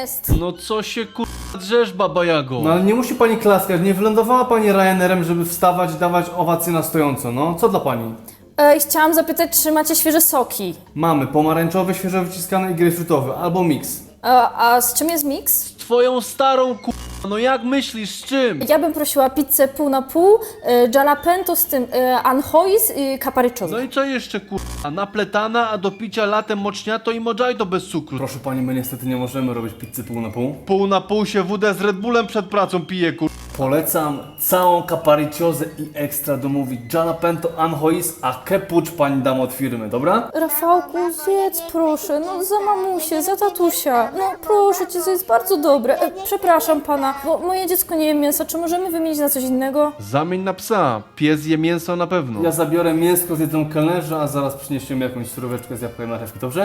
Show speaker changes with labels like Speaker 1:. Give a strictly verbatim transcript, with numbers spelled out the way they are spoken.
Speaker 1: jest.
Speaker 2: No co się kurwa drzesz, Baba Jago?
Speaker 3: No ale nie musi pani klaskać, nie wylądowała pani Ryanerem, żeby wstawać i dawać owację na stojąco, no. Co dla pani?
Speaker 1: E, chciałam zapytać, czy macie świeże soki?
Speaker 3: Mamy pomarańczowy, świeżo wyciskany i grejpfrutowy, albo miks.
Speaker 1: A, a z czym jest miks?
Speaker 2: Twoją starą kurwa, no jak myślisz, z czym?
Speaker 1: Ja bym prosiła pizzę pół na pół, e, jalapeno z tym e, anchois i capriccioso.
Speaker 2: No i co jeszcze kurwa? Napletana, a do picia latem moczniato i mojito bez cukru.
Speaker 3: Proszę pani, my niestety nie możemy robić pizzy pół na pół.
Speaker 2: Pół na pół się wódę z Red Bullem przed pracą pije kurwa.
Speaker 3: Polecam całą caparicciozę i ekstra domówić jalapeno, anchois, a kepucz pani dam od firmy, dobra?
Speaker 1: Rafałku, zjedz proszę, no za mamusię, za tatusia. No proszę cię, to jest bardzo dobre. E, przepraszam pana, bo moje dziecko nie je mięsa, czy możemy wymienić na coś innego?
Speaker 2: Zamień na psa, pies je mięso na pewno.
Speaker 3: Ja zabiorę mięsko, zjedzą kelnerze, a zaraz przyniesiemy jakąś suróweczkę z jabłkiem na marchewki, dobrze?